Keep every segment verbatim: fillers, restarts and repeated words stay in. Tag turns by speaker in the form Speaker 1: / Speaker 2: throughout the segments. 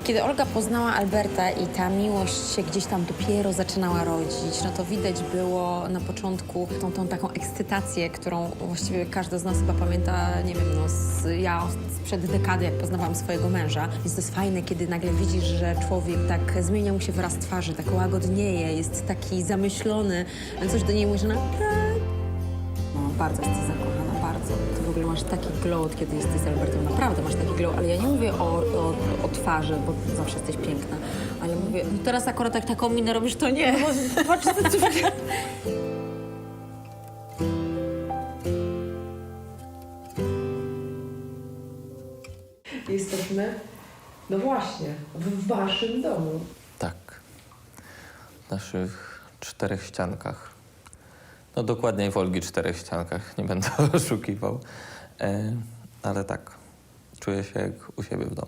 Speaker 1: Kiedy Olga poznała Alberta i ta miłość się gdzieś tam dopiero zaczynała rodzić, no to widać było na początku tą, tą taką ekscytację, którą właściwie każdy z nas chyba pamięta, nie wiem, no z, ja sprzed dekady, jak poznawałam swojego męża. Więc to jest fajne, kiedy nagle widzisz, że człowiek tak zmienia mu się wyraz twarzy, tak łagodnieje, jest taki zamyślony, coś do niej mówi, że no tak. No, bardzo jesteś zakochana, bardzo. Ty w ogóle masz taki glow, od kiedy jesteś z Albertem. Naprawdę masz taki glow, ale ja nie mówię o, o, o twarzy, bo zawsze jesteś piękna. Ale mówię, no teraz akurat jak taką minę robisz, to nie. Bo patrz, co ty...
Speaker 2: Jesteśmy, no właśnie, w waszym domu.
Speaker 3: Tak. W naszych czterech ściankach. No dokładniej w Olgi czterech ściankach, nie będę oszukiwał. E, ale tak, czuję się jak u siebie w domu.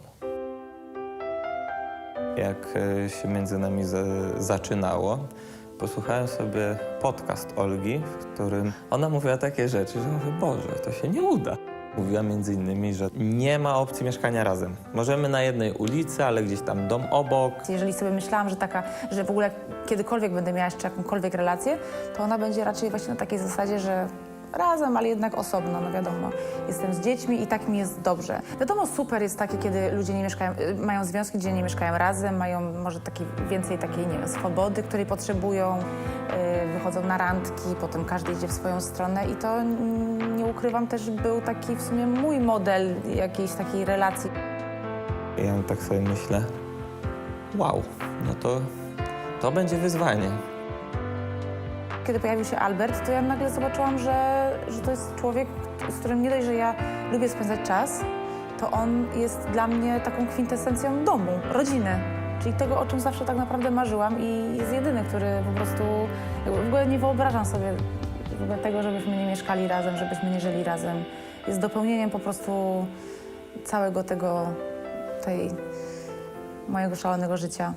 Speaker 3: Jak e, się między nami za- zaczynało, posłuchałem sobie podcast Olgi, w którym ona mówiła takie rzeczy, że mówię, Boże, to się nie uda. Mówiła między innymi, że nie ma opcji mieszkania razem. Możemy na jednej ulicy, ale gdzieś tam dom obok.
Speaker 4: Jeżeli sobie myślałam, że taka, że w ogóle kiedykolwiek będę miała jeszcze jakąkolwiek relację, to ona będzie raczej właśnie na takiej zasadzie, że razem, ale jednak osobno, no wiadomo. Jestem z dziećmi i tak mi jest dobrze. Wiadomo, super jest takie, kiedy ludzie nie mieszkają, y, mają związki, gdzie nie mieszkają razem, mają może taki, więcej takiej, nie wiem, swobody, której potrzebują, y, wychodzą na randki, potem każdy idzie w swoją stronę i to, mm, nie ukrywam, też był taki w sumie mój model jakiejś takiej relacji.
Speaker 3: Ja tak sobie myślę, wow, no to, to będzie wyzwanie.
Speaker 4: Kiedy pojawił się Albert, to ja nagle zobaczyłam, że, że to jest człowiek, z którym nie dość, że ja lubię spędzać czas, to on jest dla mnie taką kwintesencją domu, rodziny. Czyli tego, o czym zawsze tak naprawdę marzyłam i jest jedyny, który po prostu... jakby w ogóle nie wyobrażam sobie w ogóle tego, żebyśmy nie mieszkali razem, żebyśmy nie żyli razem. Jest dopełnieniem po prostu całego tego, tej mojego szalonego życia.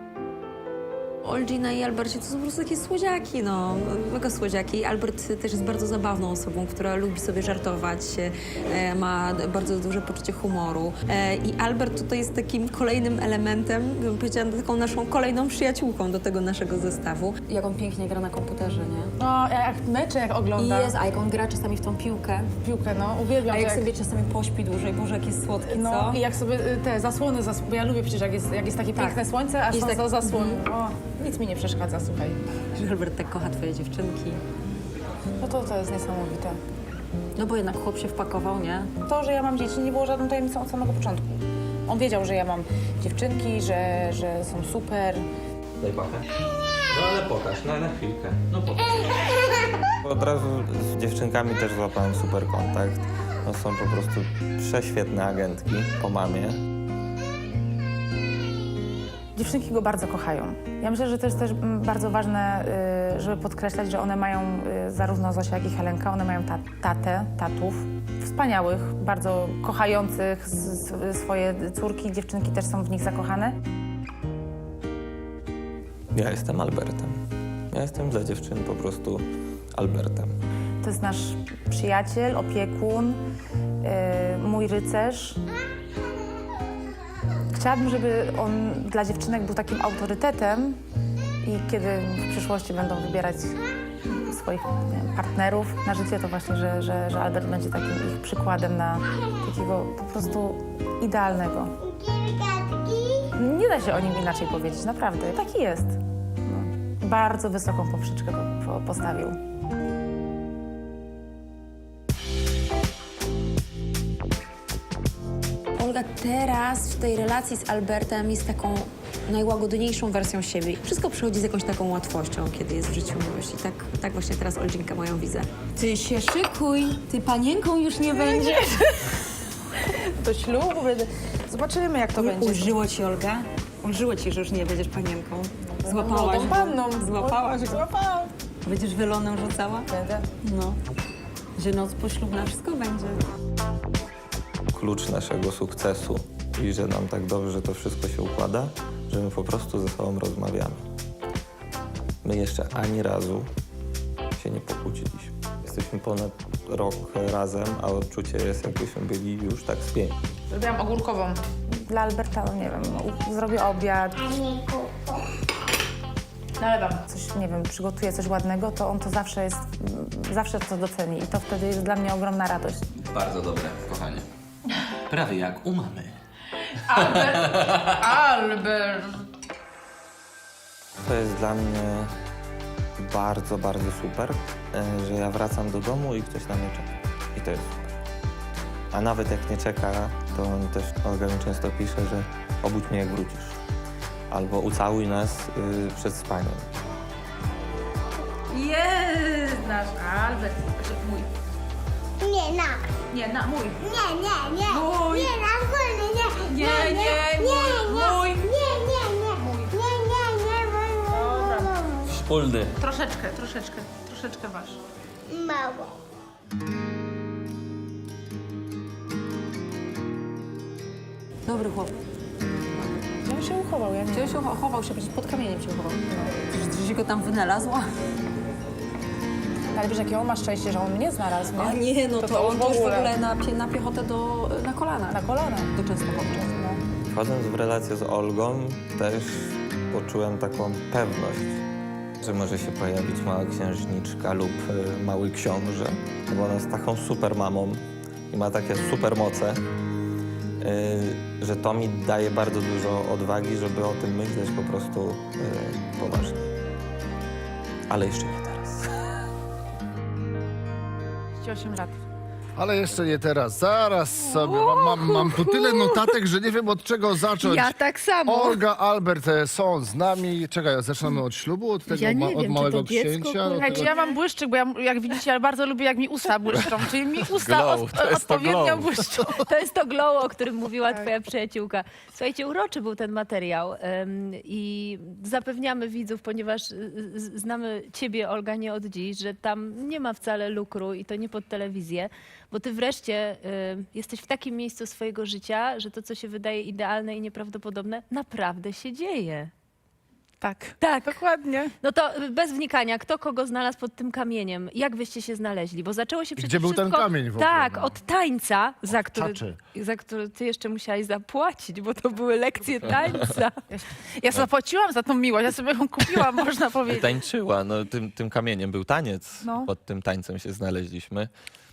Speaker 1: Olgina i Albercie to są po prostu takie słodziaki, no, mega słodziaki. Albert też jest bardzo zabawną osobą, która lubi sobie żartować, e, ma bardzo duże poczucie humoru. E, I Albert tutaj jest takim kolejnym elementem, bym powiedziała, taką naszą kolejną przyjaciółką do tego naszego zestawu. Jak on pięknie gra na komputerze, nie?
Speaker 4: No, jak mecze, jak
Speaker 1: I
Speaker 4: ogląda.
Speaker 1: jest, a jak on gra czasami w tą piłkę,
Speaker 4: Piłkę, no, uwielbiam
Speaker 1: a
Speaker 4: to,
Speaker 1: jak sobie czasami pośpi dłużej, Boże, jak jest słodki,
Speaker 4: No
Speaker 1: co?
Speaker 4: i jak sobie y, te zasłony, zas... bo ja lubię przecież jak jest, jak jest takie
Speaker 1: Tak.
Speaker 4: piękne słońce, a
Speaker 1: Jest
Speaker 4: są
Speaker 1: tak-
Speaker 4: za zasłony. O, nic mi nie przeszkadza, słuchaj.
Speaker 1: Że Albert tak kocha twoje dziewczynki.
Speaker 4: No to, to jest niesamowite.
Speaker 1: No bo jednak chłop się wpakował, nie?
Speaker 4: To, że ja mam dzieci, nie było żadną tajemnicą od samego początku. On wiedział, że ja mam dziewczynki, że, że są super.
Speaker 3: Daj pachę. No ale pokaż, no na chwilkę. No pokaż. Od razu z dziewczynkami też złapałem super kontakt. No, są po prostu prześwietne agentki po mamie.
Speaker 4: Dziewczynki go bardzo kochają. Ja myślę, że to jest też mm, bardzo ważne, y, żeby podkreślać, że one mają, y, zarówno Zosia, jak i Helenka, one mają ta, tatę, tatów, wspaniałych, bardzo kochających z, z, swoje córki. Dziewczynki też są w nich zakochane.
Speaker 3: Ja jestem Albertem. Ja jestem dla dziewczyn po prostu Albertem.
Speaker 4: To jest nasz przyjaciel, opiekun, yy, mój rycerz. Chciałabym, żeby on dla dziewczynek był takim autorytetem i kiedy w przyszłości będą wybierać swoich nie wiem, partnerów na życie, to właśnie, że, że, że Albert będzie takim ich przykładem na takiego po prostu idealnego. Nie da się o nim inaczej powiedzieć, naprawdę. Taki jest. No. Bardzo wysoką poprzeczkę po, po, postawił.
Speaker 1: Olga teraz w tej relacji z Albertem jest taką najłagodniejszą wersją siebie. Wszystko przychodzi z jakąś taką łatwością, kiedy jest w życiu miłość. I tak, tak właśnie teraz Olginka moją widzę. Ty się szykuj, ty panienką już nie będziesz.
Speaker 4: Do ślubu będę... Zobaczymy, jak to będzie.
Speaker 1: Ulżyło ci, Olga? Ulżyło ci, że już nie będziesz panienką. Złapałaś
Speaker 4: Młodą
Speaker 1: go.
Speaker 4: panną.
Speaker 1: Złapałaś go.
Speaker 4: Złapałam.
Speaker 1: Będziesz welonem rzucała?
Speaker 4: Będę.
Speaker 1: No. Że noc poślubna wszystko będzie.
Speaker 3: Klucz naszego sukcesu i że nam tak dobrze to wszystko się układa, że my po prostu ze sobą rozmawiamy. My jeszcze ani razu się nie pokłóciliśmy. Jesteśmy ponad rok razem, a odczucie jest, jakbyśmy byli już tak z pięć.
Speaker 4: Zrobiłam ogórkową. dla Alberta, no nie wiem, u- zrobię obiad. Nalewam coś, nie wiem, przygotuję coś ładnego, to on to zawsze jest, zawsze to doceni i to wtedy jest dla mnie ogromna radość.
Speaker 5: Bardzo dobre, kochanie. Prawie jak u mamy.
Speaker 4: Albert!
Speaker 3: To jest dla mnie bardzo, bardzo super, e, że ja wracam do domu i ktoś na mnie czeka. I to jest super. A nawet jak nie czeka, to on też, Olga mi często pisze, że obudź mnie jak wrócisz. Albo ucałuj nas y, przed spaniem.
Speaker 4: Jest nasz Albert, znaczy mój.
Speaker 6: Nie, na.
Speaker 4: Nie, na mój.
Speaker 6: Nie, nie, nie.
Speaker 4: Mój.
Speaker 6: Nie, na wolny, nie.
Speaker 4: Nie, nie,
Speaker 6: nie,
Speaker 4: mój,
Speaker 6: nie.
Speaker 4: mój.
Speaker 6: Nie, nie, nie.
Speaker 4: Mój.
Speaker 6: Nie, nie, nie, mój, mój,
Speaker 4: Dobra.
Speaker 6: mój, mój.
Speaker 5: Wspólny.
Speaker 4: Troszeczkę, troszeczkę, troszeczkę wasz.
Speaker 6: Mało.
Speaker 1: Dobry chłop.
Speaker 4: On się uchował, ja nie
Speaker 1: Gdzie się ucho- chował się, przecież pod kamieniem się uchował. Że się go tam wynalazła.
Speaker 4: Ale wiesz, jakie on ma szczęście, że on mnie znalazł, nie?
Speaker 1: A nie, no to,
Speaker 4: to
Speaker 1: on
Speaker 4: w
Speaker 1: to już w
Speaker 4: ogóle.
Speaker 1: ogóle na, pie- na piechotę do, na kolana.
Speaker 4: Na kolana.
Speaker 1: Do Częstochowy.
Speaker 4: No.
Speaker 3: Wchodząc w relację z Olgą, też poczułem taką pewność, że może się pojawić mała księżniczka lub y, mały książę, bo ona jest taką super mamą i ma takie super moce, y, że to mi daje bardzo dużo odwagi, żeby o tym myśleć po prostu y, poważnie. Ale jeszcze nie teraz.
Speaker 4: osiem lat.
Speaker 7: Ale jeszcze nie teraz, zaraz sobie. Mam, mam, mam tu tyle notatek, że nie wiem od czego zacząć.
Speaker 8: Ja tak samo.
Speaker 7: Olga, Albert e, są z nami. Czekaj, zaczynamy od ślubu, od tego
Speaker 8: Ja nie
Speaker 7: ma,
Speaker 8: wiem,
Speaker 7: od
Speaker 8: czy
Speaker 7: małego
Speaker 8: to dziecko,
Speaker 7: księcia.
Speaker 8: kurwa.
Speaker 7: do
Speaker 4: Słuchajcie,
Speaker 7: tego...
Speaker 4: ja mam błyszczyk, bo ja, jak widzicie, ja bardzo lubię, jak mi usta błyszczą. Czyli mi usta
Speaker 5: Glow,
Speaker 4: od,
Speaker 5: to jest to
Speaker 4: odpowiednio
Speaker 5: glow.
Speaker 4: błyszczą.
Speaker 8: To jest to glow, o którym mówiła twoja przyjaciółka. Słuchajcie, uroczy był ten materiał em, i zapewniamy widzów, ponieważ y, y, znamy ciebie, Olga, nie od dziś, że tam nie ma wcale lukru i to nie pod telewizję, bo ty wreszcie y, jesteś w takim miejscu swojego życia, że to, co się wydaje idealne i nieprawdopodobne, naprawdę się dzieje.
Speaker 4: Tak,
Speaker 8: Tak.
Speaker 4: dokładnie.
Speaker 8: No to y, bez wnikania, kto kogo znalazł pod tym kamieniem? Jak wyście się znaleźli? Bo zaczęło się przecież
Speaker 7: gdzie był ten
Speaker 8: wszystko,
Speaker 7: kamień w ogóle,
Speaker 8: Tak,
Speaker 7: no?
Speaker 8: od tańca, za który,
Speaker 7: czaczy.
Speaker 8: za który ty jeszcze musiałaś zapłacić, bo to były lekcje tańca.
Speaker 4: Ja zapłaciłam za tą miłość, ja sobie ją kupiłam, można powiedzieć.
Speaker 3: Tańczyła, no tym, tym kamieniem był taniec.
Speaker 4: No.
Speaker 3: Pod tym tańcem się znaleźliśmy,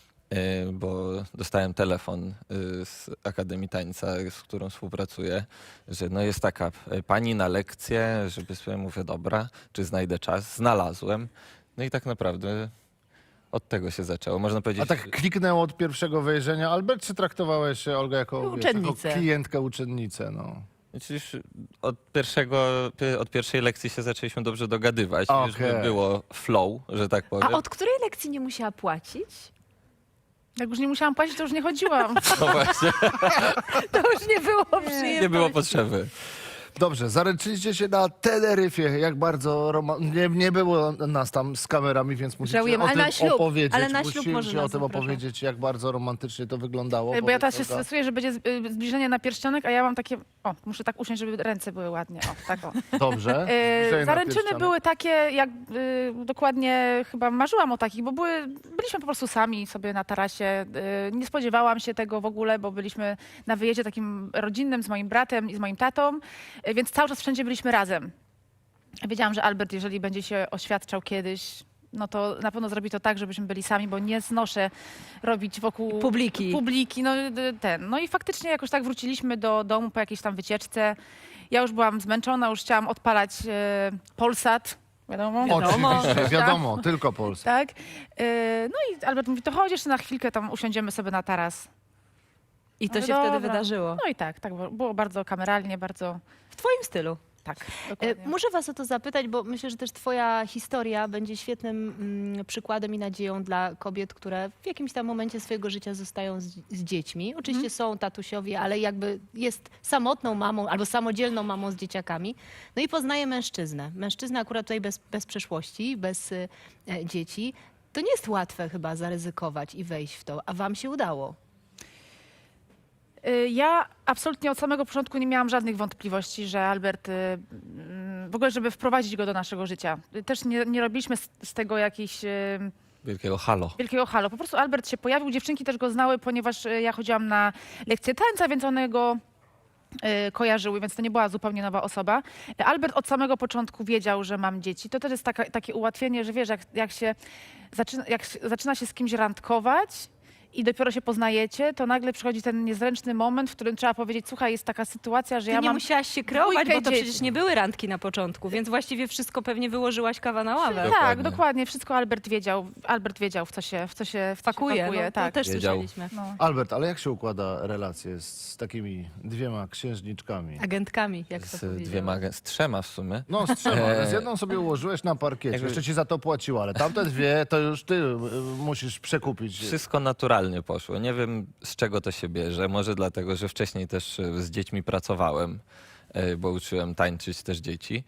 Speaker 3: y, bo dostałem telefon y, z Akademii Tańca, z którą współpracuję, że no jest taka y, pani na lekcję, żeby sobie mówię, dobra, czy znajdę czas. Znalazłem. No i tak naprawdę od tego się zaczęło. Można powiedzieć,
Speaker 7: A tak kliknęło od pierwszego wejrzenia. Albert, czy traktowałeś Olgę jako, wiesz, jako
Speaker 8: Uczennicę.
Speaker 7: klientkę, uczennicę? No.
Speaker 3: Przecież od, pierwszego, pie- od pierwszej lekcji się zaczęliśmy dobrze dogadywać. Już by
Speaker 7: Okej.
Speaker 3: było flow, że tak
Speaker 8: A
Speaker 3: powiem.
Speaker 8: od której lekcji nie musiała płacić?
Speaker 4: Jak już nie musiałam płacić, to już nie chodziłam.
Speaker 3: No właśnie,
Speaker 8: To już nie było przyjemności.
Speaker 3: nie było potrzeby.
Speaker 7: Dobrze, zaręczyliście się na Teneryfie. Jak bardzo roma... nie, nie było nas tam z kamerami, więc musicie
Speaker 8: Żałujemy,
Speaker 7: o
Speaker 8: ale
Speaker 7: tym
Speaker 8: na ślub,
Speaker 7: opowiedzieć.
Speaker 8: ale na ślub
Speaker 7: Musicie
Speaker 8: może
Speaker 7: o
Speaker 8: nas
Speaker 7: tym
Speaker 8: zapraszam.
Speaker 7: opowiedzieć, jak bardzo romantycznie to wyglądało.
Speaker 4: Bo ja teraz się
Speaker 7: Powiedz, Olga.
Speaker 4: stresuję, że będzie z- y, zbliżenie na pierścionek, a ja mam takie... O, muszę tak usiąść, żeby ręce były ładnie. O, tak o.
Speaker 7: Dobrze.
Speaker 4: E,
Speaker 7: Zbliżenie na
Speaker 4: zaręczyny
Speaker 7: pierścionek.
Speaker 4: były takie, jak y, dokładnie chyba marzyłam o takich, bo były, byliśmy po prostu sami sobie na tarasie. Y, nie spodziewałam się tego w ogóle, bo byliśmy na wyjeździe takim rodzinnym z moim bratem i z moim tatą, y, więc cały czas wszędzie byliśmy razem. Wiedziałam, że Albert, jeżeli będzie się oświadczał kiedyś, no to na pewno zrobi to tak, żebyśmy byli sami, bo nie znoszę robić wokół
Speaker 8: Publiki.
Speaker 4: publiki, no y, ten. No i faktycznie jakoś tak wróciliśmy do domu po jakiejś tam wycieczce. Ja już byłam zmęczona, już chciałam odpalać e, Polsat, wiadomo.
Speaker 7: Oczywiście, wiadomo, tylko Polska.
Speaker 4: Tak. E, no i Albert mówi, to chodź jeszcze na chwilkę, tam usiądziemy sobie na taras.
Speaker 8: I to
Speaker 4: Mówię,
Speaker 8: się wtedy
Speaker 4: dobra.
Speaker 8: wydarzyło.
Speaker 4: No i tak, tak było- było bardzo kameralnie, bardzo
Speaker 8: W twoim stylu.
Speaker 4: tak.
Speaker 8: E,
Speaker 4: Dokładnie.
Speaker 8: Muszę was o to zapytać, bo myślę, że też twoja historia będzie świetnym mm, przykładem i nadzieją dla kobiet, które w jakimś tam momencie swojego życia zostają z, z dziećmi. Oczywiście są tatusiowie, ale jakby jest samotną mamą albo samodzielną mamą z dzieciakami. No i poznaje mężczyznę. Mężczyznę akurat tutaj bez, bez przeszłości, bez y, e, dzieci. To nie jest łatwe chyba zaryzykować i wejść w to, a wam się udało.
Speaker 4: Y, Ja absolutnie od samego początku nie miałam żadnych wątpliwości, że Albert, y, mm, w ogóle żeby wprowadzić go do naszego życia. Y, Też nie, nie robiliśmy z, z tego jakiś... y,
Speaker 3: Wielkiego halo.
Speaker 4: wielkiego halo. Po prostu Albert się pojawił, dziewczynki też go znały, ponieważ e, ja chodziłam na lekcje tańca, więc one go y, kojarzyły, więc to nie była zupełnie nowa osoba. Albert od samego początku wiedział, że mam dzieci. To też jest taka, takie ułatwienie, że wiesz, jak, jak, się zaczyna, jak się- zaczyna się z kimś randkować i dopiero się poznajecie, to nagle przychodzi ten niezręczny moment, w którym trzeba powiedzieć, słuchaj, jest taka sytuacja, że
Speaker 1: Ty
Speaker 4: ja
Speaker 1: nie
Speaker 4: mam...
Speaker 1: musiałaś się kreować,
Speaker 4: dwójkę
Speaker 1: bo to
Speaker 4: dzieci.
Speaker 1: przecież nie były randki na początku, więc właściwie wszystko pewnie wyłożyłaś kawa na ławę.
Speaker 4: Tak,
Speaker 3: Dokładnie.
Speaker 4: dokładnie. Wszystko Albert wiedział. Albert wiedział, w co się, w co się, w co
Speaker 1: Pakuje,
Speaker 4: się pakuje.
Speaker 1: no, to
Speaker 4: tak.
Speaker 1: też
Speaker 3: Wiedział.
Speaker 1: słyszeliśmy.
Speaker 4: No.
Speaker 7: Albert, ale jak się układa relacje z, z takimi dwiema księżniczkami?
Speaker 1: Agentkami, jak to
Speaker 3: Z
Speaker 1: powiedział.
Speaker 3: dwiema, z trzema w sumie.
Speaker 7: No z trzema, ale z jedną sobie ułożyłeś na parkiecie,
Speaker 3: Jakby-
Speaker 7: jeszcze ci za to płaciła, ale tamte dwie to już ty y, musisz przekupić.
Speaker 3: Wszystko naturalnie poszło. Nie wiem, z czego to się bierze. Może dlatego, że wcześniej też e, z dziećmi pracowałem, e, bo uczyłem tańczyć też dzieci.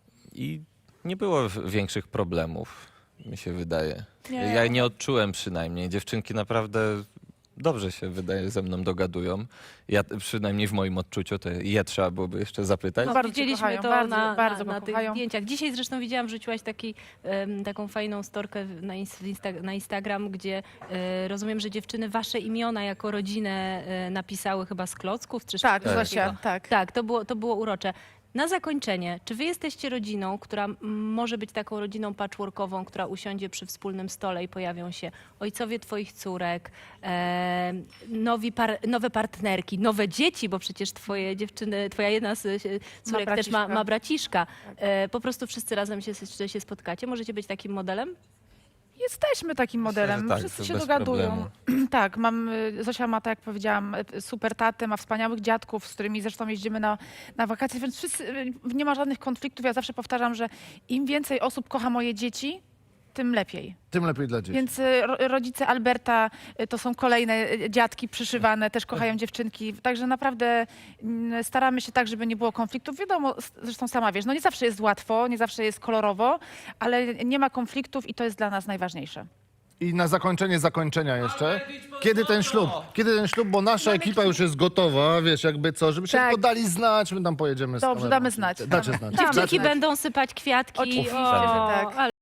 Speaker 3: I nie było w- większych problemów, mi się wydaje.
Speaker 4: Nie.
Speaker 3: Ja nie odczułem przynajmniej. Dziewczynki naprawdę dobrze się, wydaje, ze mną dogadują. Ja, przynajmniej w moim odczuciu, to je trzeba byłoby jeszcze zapytać.
Speaker 1: No,
Speaker 4: Bardzo cię
Speaker 1: widzieliśmy
Speaker 4: kochają,
Speaker 1: to
Speaker 4: bardzo,
Speaker 1: na,
Speaker 4: bardzo
Speaker 1: na,
Speaker 4: go
Speaker 1: na tych
Speaker 4: kochają.
Speaker 1: zdjęciach. Dzisiaj zresztą widziałam, wrzuciłaś taki, em, taką fajną storkę na, ins- insta- na Instagram, gdzie e, rozumiem, że dziewczyny wasze imiona jako rodzinę e, napisały chyba z klocków, czy
Speaker 4: Tak,
Speaker 1: czegoś
Speaker 4: Zosia,
Speaker 1: takiego.
Speaker 4: tak.
Speaker 1: Tak, to było, to było urocze. Na zakończenie, czy wy jesteście rodziną, która m, może być taką rodziną patchworkową, która usiądzie przy wspólnym stole i pojawią się ojcowie twoich córek, e, nowi par, nowe partnerki, nowe dzieci, bo przecież twoje dziewczyny, twoja jedna z e, córek też ma,
Speaker 4: braciszka.
Speaker 1: ma braciszka. E, po prostu wszyscy razem się, się spotkacie. Możecie być takim modelem?
Speaker 4: Jesteśmy takim modelem.
Speaker 3: że tak,
Speaker 4: Wszyscy
Speaker 3: to
Speaker 4: się
Speaker 3: bez
Speaker 4: dogadują. tak, mam, y, Zosia ma, tak jak powiedziałam, y, super tatę, ma wspaniałych dziadków, z którymi zresztą jeździmy na, na wakacje, więc wszyscy, y, nie ma żadnych konfliktów. Ja zawsze powtarzam, że im więcej osób kocha moje dzieci, tym lepiej.
Speaker 7: Tym lepiej dla dzieci.
Speaker 4: Więc y, ro, rodzice Alberta y, to są kolejne y, dziadki przyszywane, też kochają dziewczynki. Także naprawdę mm, staramy się tak, żeby nie było konfliktów. Wiadomo, s- zresztą sama wiesz, no nie zawsze jest łatwo, nie zawsze jest kolorowo, ale nie ma konfliktów i to jest dla nas najważniejsze.
Speaker 7: I na zakończenie zakończenia jeszcze. Kiedy ten ślub? Kiedy ten ślub, bo nasza ekipa już jest gotowa, wiesz, jakby co, żeby się
Speaker 4: Tak.
Speaker 7: tylko dali znać, my tam pojedziemy z
Speaker 4: Dobrze,
Speaker 7: kamerą.
Speaker 4: damy znać.
Speaker 7: Dacie
Speaker 4: Damy.
Speaker 7: znać.
Speaker 4: Damy
Speaker 1: Dziewczynki
Speaker 4: znać.
Speaker 1: będą sypać kwiatki.
Speaker 4: Oczywiście,
Speaker 1: o,
Speaker 4: że tak.
Speaker 1: ale